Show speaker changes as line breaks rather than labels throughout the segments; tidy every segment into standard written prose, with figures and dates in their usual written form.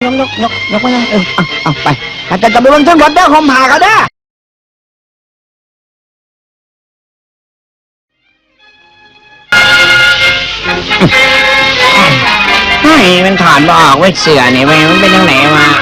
กมาเอาไปแต่จะไปบนทั้งรถเด้อคอมผ่าเขาเด้อมันถอดบอกไว้เสือนี่มันเป็นยังไงวะ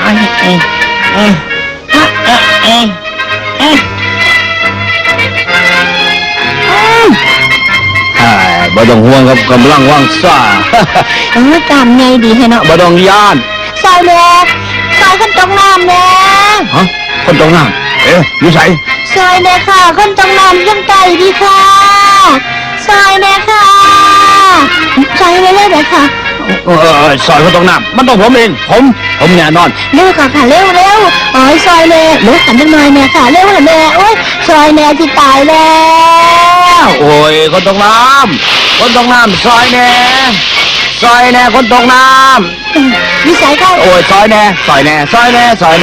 บ่ต้องห่วงครับกำลังว่างซ่า
ตามไงดีให้เนาะ
บ่ต้องย่าน
ซอยแม่ซอยคนตกน้ำแม่
ฮะคนตกน้ำอยู่ไส
ซอยแม่ค่ะคนตกน้ำยังไกลดีค่ะซอยแม่ค่ะซอยแม่เลยค่ะ
ซอยคนตกน้ำมันต้องผมเองผมแน่นอน
เร็วค่ะเร็วโอ้ยซอยแม่ลุกกันจังหน่อยแม่ค่ะเร็วแม่โอ้ยซอยแม่ที่ตายแล้ว
โอ้ยคนตกน้ำซอยแน่คนตกน้
ำวิสัยค่ะ
โอ้ยซอยแน่คนตกน้ำซอยแน่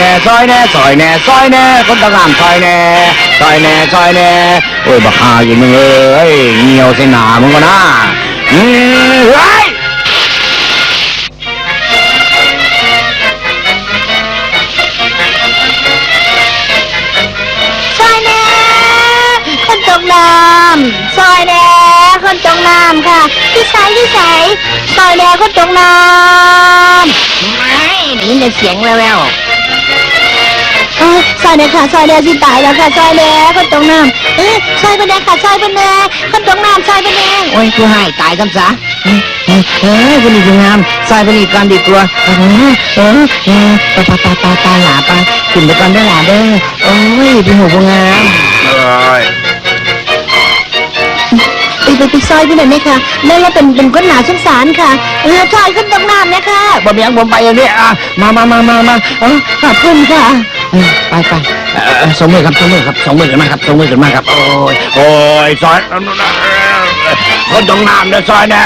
โอ้ยบักฮาอยู่มึงเอ้ยเหี่ยวใส่หนามึงก็นะเฮ้ย
ซอยแน่คนตกน้ำซอยแน่คนตกน้ำค่ะพี่สายซอยแน่คนตกน้ำ
ไม่นี่ได้เสียงแวว
ซอยแน่ค่ะซอยแน่ที่ตายแล้วค่ะซอยแน่คนตกน้ำซอยเป็นแน่ค่ะซอยเป็นแน่คนตกน้ำซอยเป็นแน่
โอ้ยกูให้ตายซ้ำซะคนนี้งามซอยคนนี้ก่อนดีกว่าปลาหลาปลาขึ้นไปก่อนได้หลาเด้อโอ้ยพี่หัวงาม
ไปซอยพี่หน่อยไหมคะแม่เราเป็นคนหนาสงสารค่ะซอยขึ้นตรงน้ำนะคะ
บ่มีอย่างผมไปอย่างนี้มา
ขอบคุณค่ะ
ไปสองมือกันมาครับโอ้ยซอยคนตรงน้ำเด้อซอยแน่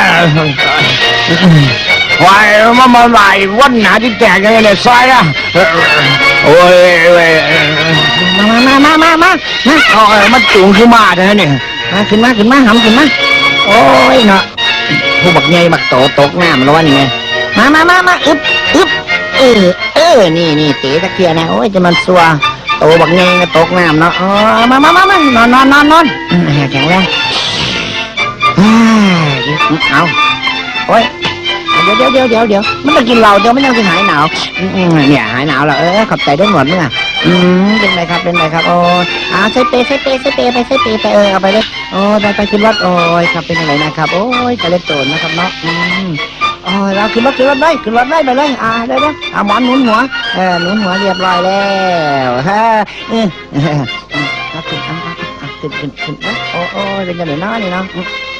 วายมาไหลวันหนาที่แตกยังไงเนี่ยซอยนะโอ้ยมามันจุงขึ้นมาเท่านั้นเนี่ยขึ้นมาหำขึ้นมาโอ้ยเนาะผู้บักใหญ่บักโตตกน้ำแล้ววะนี่ไงมาอึบนี่เตะตะเกียนะโอ้ยจะมันซัวโตบักใหญ่ก็ตกน้ำเนาะมานอนแข็งแรงเอาโอ้ยเดี๋ยวมันจะกินเราเดี๋ยวมันยังจะหายหนาวเนี่ยหายหนาวแล้วขอบใจด้วยหมดเนี่ยเป็นไรครับโอ้ใส่เปไปเอาไปเลยโอ้ไปขึ้นรถโอ้ยครับเป็นอะไรนะครับโอ้ยจะเล่นโจรนะครับเนาะเราขึ้นรถไปเลยได้เลยหมอนหนุนหัวหนุนหัวเรียบร้อยแล้วขึ้นโอ้ยเป็นยังไงเนาะนี่เนาะ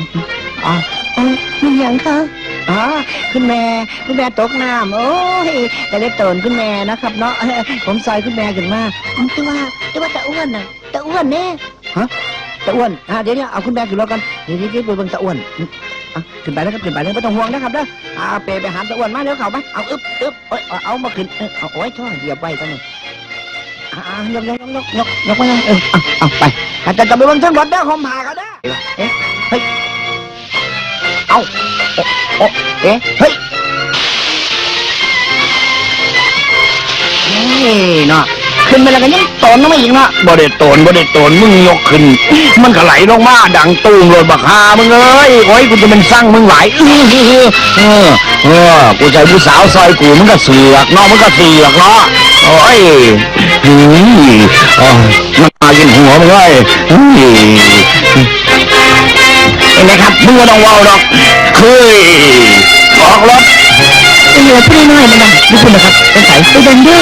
มีอย่างค่ะ
คุณแม่ตกน้ำโอ้ยแต่เล็กโตนคุณแม่นะครับเนาะผมซอยคุณแม่ขึ้นมา
แต่ว่าตาอ้วนน่ะตาอ้วนเนี่ย
ตาอ้วนเดี๋ยวเอาคุณแม่ขึ้นรถกันนี่ไปเบิ่งตาอ้วนขึ้นไปแล้วครับไม่ต้องห่วงนะครับเด้อไปหาตาอ้วนมาเดี๋ยวเขาไปเอาอึ๊บเอามาขึ้นโอ้ยช่วยเหยียบไว้ตรงนี้ยกมาเอาไปแต่จะไปเบิ่งทั้งรถเด้อคอมผ่าเขาเด้อเฮ้ยเอาเฮ้ยเนาะขึ้นไปแล้วก็ยังโตนลงมาอีกเนาะบ่ได้โตนมึงยกขึ้นมันก็ไหลลงมาดังตูมรถบักฮามึงเอ้ยโอ้ยกูจะเป็นสั่งมึงไหลกูใจผู้สาวซอยกูมึงก็เสือกเนาะโอ้ยมันมากินหัวมึงเลยเห็นไหมครับมึงก็ต้องว้าวดอกออกรถ
เหลือพี่น้อยมันนะดูคุณนะครับเป็นสายไปเดินด้วย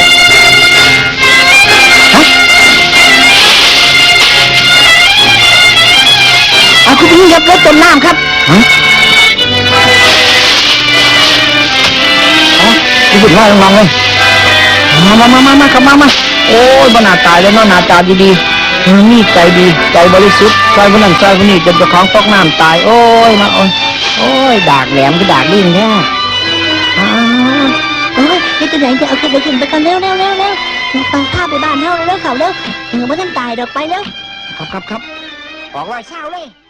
คุณพี่ยับรถจมน้ำครับ
คุณพี่ว่าลองเลยมาครับมาโอ้ยบรรณาตายแล้วเนาะหน้าตาดีนี่ใจดีใจบริสุทธิ์ใจคนนั้นใจคนนี้จนเจ้าของตกน้ำตายโอ้ยมาโอ้ยดากแหลมก็ดากลิ้นแท้
นี่ตัวไหนจะเอาขึ้นไปกันเร็วไปพาไปบ้านเฮาเร็วเขาเร็วไม่ต้องตายดอกไปเร็ว
ครับออกรอยเช้าเลย